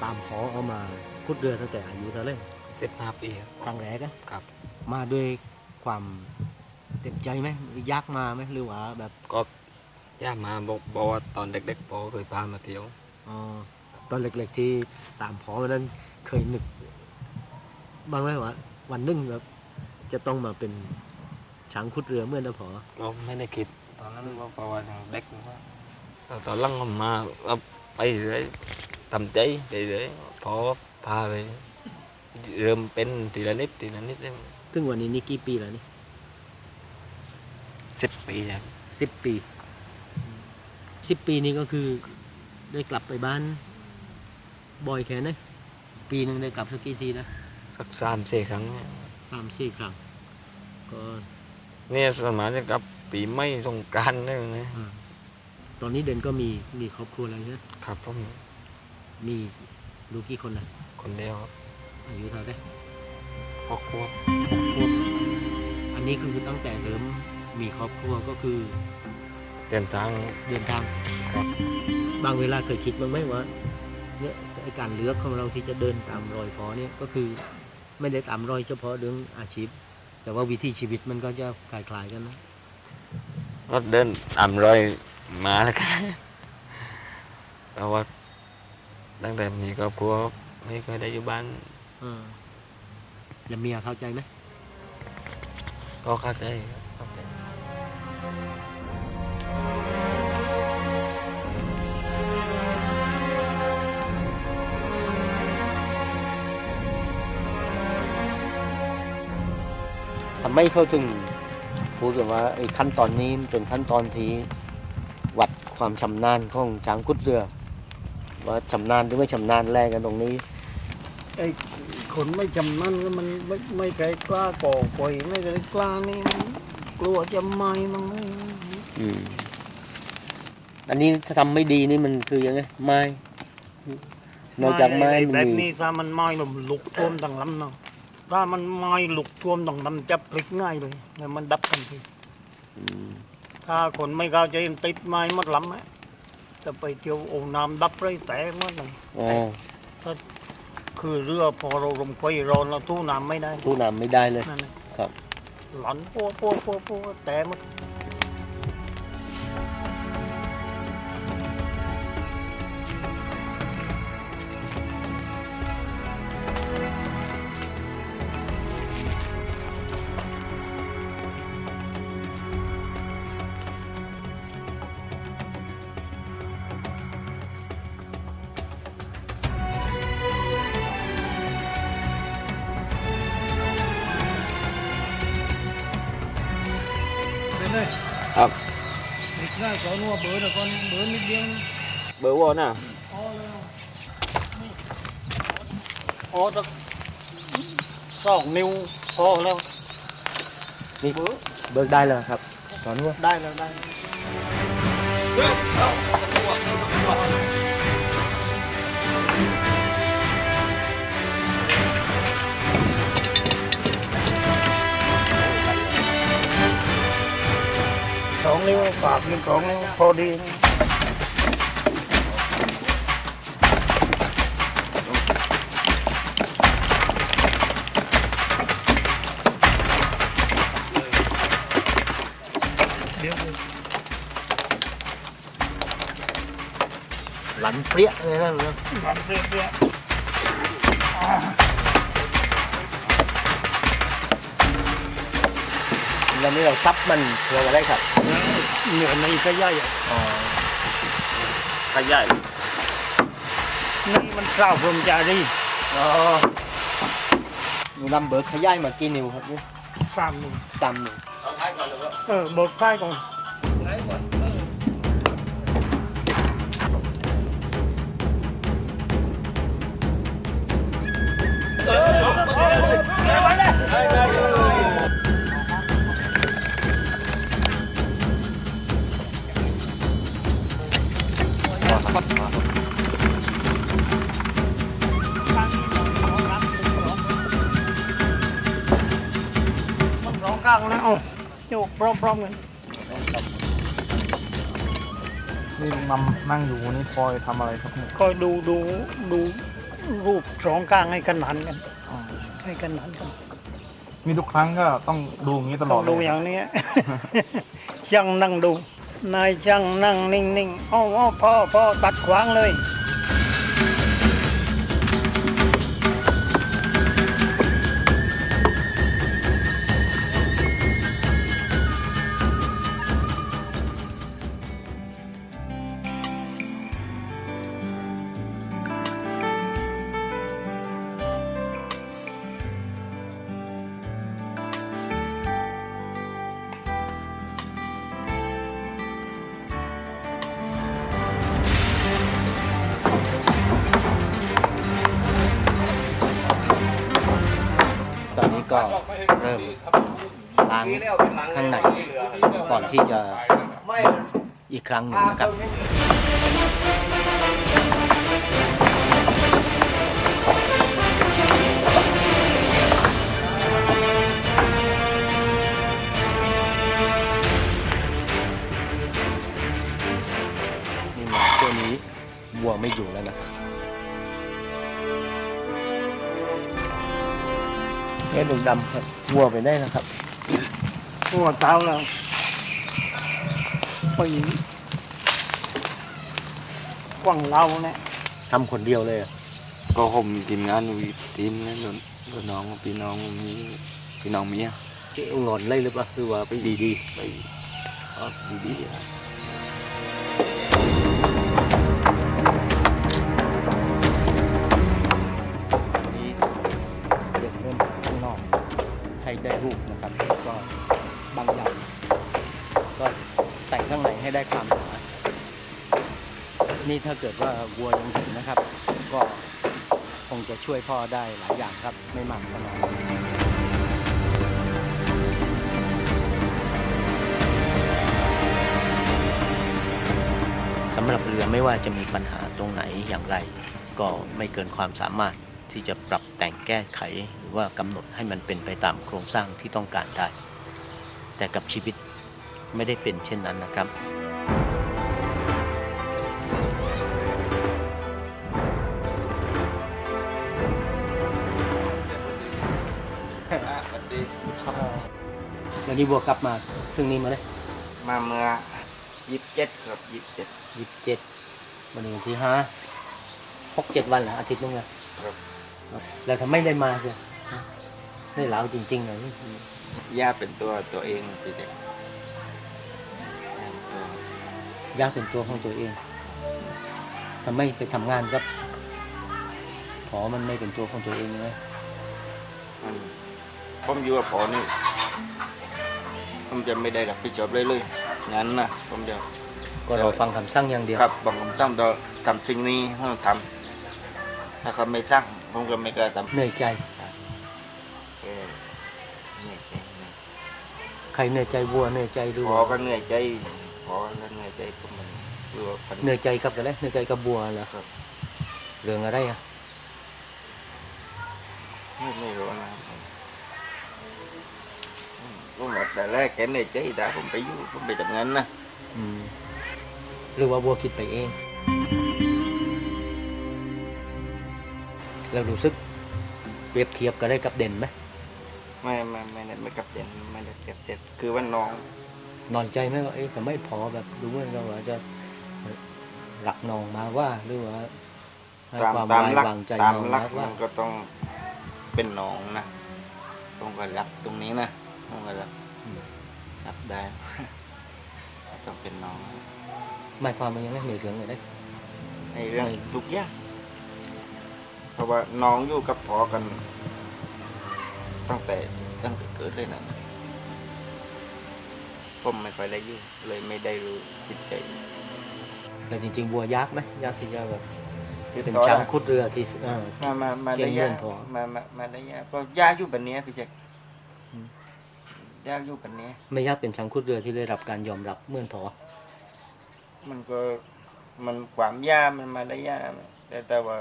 ามขอเอามาขุดเรือตั้งแต่อายุเท่าไหร่ 15 ปีครั้งแรกอะครับมาด้วยความเต็มใจไหมยากมาไหมหรือว่าแบบก็ย่ามาบอกว่าตอนเด็กๆพ่อเคยพามาเที่ยวอ๋อตอนเล็กๆที่ตามขอวันนั้นเคยนึกบ้างไหมว่าวันหนึงแบบจะต้องมาเป็นช้างขุดเรือเมื่อนะพอก็ไม่ได้คิดตอนนั้นว่าเพราะว่ายังเด็กว่าตอนหลังก็มาก็ไปเรื่อยทำใจไปเรื่อยพอพาไปเริ่มเป็นทีละนิดซึ่งวันนี้นี่กี่ปีแล้วนี่ 10 ปีครับ 10 ปี10 ปีนี้ก็คือได้กลับไปบ้านบ่อยแค่ไหนปีหนึ่งได้กลับสักกี่ทีนะสัก3-4 ครั้งเนี่ย 3-4 ครั้งก็เนี่ยสมัยจะกลับปีใหม่สงกรานต์ได้ไหมตอนนี้เด่นก็มีครอบครัวแล้วใช่ไหมครับผมมีลูกกี่คนนะคนเดียวครับอายุเท่าไหร่ 6 ขวบอันนี้คือตั้งแต่เริ่มมีครอบครัวก็คือเดินทางครับบางเวลาเคยคิดบ้างไหมว่าเนี่ยการเลือกของเราที่จะเดินตามรอยพ่อเนี่ยก็คือไม่ได้ตามรอยเฉพาะเรื่องอาชีพแต่ว่าวิถีชีวิตมันก็จะคล้ายๆกันนะก็เดินตามรอยมาแล้วกันเพราะว่าตั้งแต่มีครอบครัวไม่เคยได้อยู่บ้านแล้วเมียเข้าใจไหมก็เข้าใจทำไมเขาถึงพูดกันว่าไอ้ขั้นตอนนี้เป็นขั้นตอนที่วัดความชำนาญของช้างขุดเรือว่าชำนาญหรือไม่ชำนาญแรกกันตรงนี้ไอ้คนไม่ชำนาญก็มันไม่ใครกล้าก่อไฟไม่ใครกล้านี่กลัวจะไหม้มั้งอันนี้ถ้าทำไม่ดีนี่มันคือยังไงไม้นอกจากไม้แบบนี้ถ้ามันไหม้ลมลุกท่วมดังลำเนาะถ้ามันไหม้ลุกท่วมดังลำจะพลิกง่ายเลยแล้วมันดับทันทีถ้าคนไม่เข้าใจติดไม้หมดลำไหมจะไปเที่ยวโอ่งน้ำดับไรแต่หมดเลยถ้าคือเรือพอเราลมไฟร้อนเราทู่น้ำไม่ได้เลยครับหลอนปัวแต่หมดครับนิดหน่อยก่อนว่าเบอร์นะก่อนเบอร์นิดเดียวเบอร์วอน่ะสัก2 นิ้วพอแล้วนี่เบิกได้แล้วครับตอนนี้ได้แล้ว2 นิ้วปากนี่2 นิ้วพอดีหลันเปรี้ยเลยนะหลันเปรี้ยแล้วนี่เราซับมันเพื่ออะไรครับเหนือในขยายขยายนี่มันข้าวพรหมจารีมีลำเบิกขยายมากี่นิ้วครับนี่ 3 นิ้วเอาท้ายก่อนเลยเบิกท้ายก่อนข้างนะโยกพร้อมๆกันนี่ลุงนำนั่งอยู่นี่คอยทำอะไรครับเนี่ยคอยดูรูปสองข้างให้ขนานกันอ๋อให้ขนานกันมีทุกครั้งก็ต้องดูอย่างนี้ตลต้ออดงเลดูยอย่างนี้ ช่างนั่งดู นายช่างนั่งนิ่งๆอ้อพ่อตัดขวางเลยตอนนี้ก็เริ่มล้างข้างในก่อนที่จะอีกครั้งหนึ่งนะครับนี่มาตัวนี้วัวไม่อยู่แล้วนะเนี่ยดงดำครับวัวไปได้นะครับหัวเท้าแล้วไปกว้างเราเนี่ยทำคนเดียวเลยอะก็ผมมีทีมงานอยู่อีกทีมนึงโดนน้องพี่น้องมีพี่น้องเมียเจ๊งอนเลยหรือเปล่าคือว่าไปดีไปดีๆครับๆนี้เริ่มข้างนอกให้ได้รูปนะครับก็บางอย่างก็แต่งข้างในให้ได้ความหนานี่ถ้าเกิดว่าวัวยังอยู่นะครับ ก็คงจะช่วยพ่อได้หลายอย่างครับ ไม่มากก็น้อยสำหรับเรือไม่ว่าจะมีปัญหาตรงไหนอย่างไร ก็ไม่เกินความสามารถที่จะปรับแต่งแก้ไข หรือว่ากำหนดให้มันเป็นไปตามโครงสร้างที่ต้องการได้ แต่กับชีวิตไม่ได้เป็นเช่นนั้นนะครับ วันนี้บัวกลับมาซึ่งนี้มาเลยมาเมื่อ27ครับ27 วันนี้วันที่6-7 วันเหรออาทิตย์นึงอะครับแล้วทำไมได้มาเสียได้เหลาจริงๆเลยย่าเป็นตัวเองพี่เด็กยากเป็นตัวของตัวเองทำไมไปทำงานกับพอมันไม่เป็นตัวของตัวเองเลยผมอยู่กับพ่อนี่ผมจะไม่ได้รับผิดชอบเลยงั้นนะผมจะก็รอฟังคำสั่งอย่างเดียวครับบอกผมสั่งต่อทำสิ่งนี้ให้ทำถ้าเขาไม่สั่งผมก็ไม่กล้าทำเหนื่อยใจเหนื่อยใจใครเหนื่อยใจวัวเหนื่อยใจดูพอก็เหนื่อยใจพอก็เหนื่อยใจผมมันดูว่าเหนื่อยใจกับอะไรเหนื่อยใจกับบัวเหรอครับเรื่องอะไรอ่ะไม่รู้นะครับผมบอกแต่แรกแกเหนื่อยใจแต่ผมไปอยู่ผมไปทำงานนะหรือว่าบัวคิดไปเอง แล้วรู้สึกเปรียบเทียบกันได้กับเด่นไหมไม่กับเด่นไม่ได้เก็บเจ็บคือว่าน้องนอนใจไหมว่าแต่ไม่พอแบบดูเหมือนเราว่าจะหลักนองมาว่าหรือว่าให้ตามความตามไว้หลักวางใจตามน้องหลักนะว่ามันก็ต้องเป็นน้องนะต้องก็รักตรงนี้นะต้องก็รักได้ ต้องเป็นน้องหมายความมันยังไม่เหนื่อยเรื่องเลยได้ในเรื่องทุกอย่างเพราะว่าน้องอยู่กับพ่อกันตั้งแต่เกิดเลยนะผมไม่ค่อยได้อยู่เลยไม่ได้รู้จิตใจแต่จริงๆบัวยากไหมยากที่จะแบบที่เป็นต่อได้ช้างคุดเรือที่มาเก่ได้งยาเรื่องกพอมาได้ยากก็ยากอยู่แบบนี้พี่เจคยากอยู่แบบนี้ไม่ยากเป็นช้างคุดเรือที่ได้รับการยอมรับเหมื่อนพอมันก็มันความยากมันมาได้ยากแต่ว่า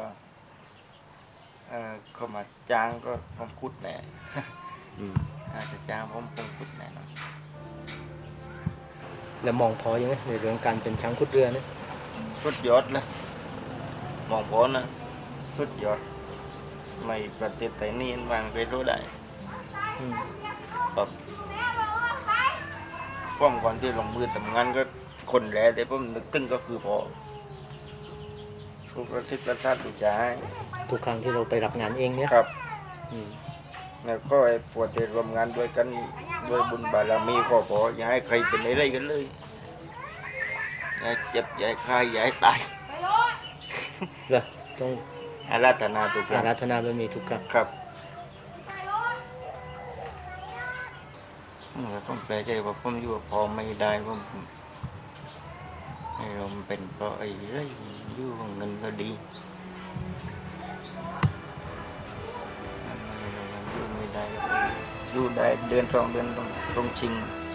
เขามาจ้างก็ผมคุดแน่ อาจจะจ้างผมคุดแน่นอนแล้วมองพอยังไงในเรื่องการเป็นช้างคุดเรือเนี่ยสุดยอดเลยมองพ้นนะสุดยอดไม่ประเทศไทยนี่บางเคยรู้ได้อืมครับผมก่อนที่ลงมือทำงานก็คนแรกแต่ผมนึกถึงก็คือพอทุกอาทิตย์ละท่านผู้ชายทุกครั้งที่เราไปรับงานเองเนี่ยครับอืมแล้วก็ไอ้ปวดจะรวมงานด้วยกันด้วยบุญบารมีก็พออย่าให้ใครเป็นอะไรกันเลยอย่าเจ็บอย่าคายอย่าให้ตายเหรอต้องอาราธนาทุกคอารั้งราธนาบารมีทุกครั้งครับผมแปลใจว่าผมอยู่กับพ่อไม่ได้ผมให้เราเป็นเพราะไอ้เรื่องอยู่ของเงินก็ดีอยู่ไม่ได้อยู่ได้เดือน2 เดือนต้องชิง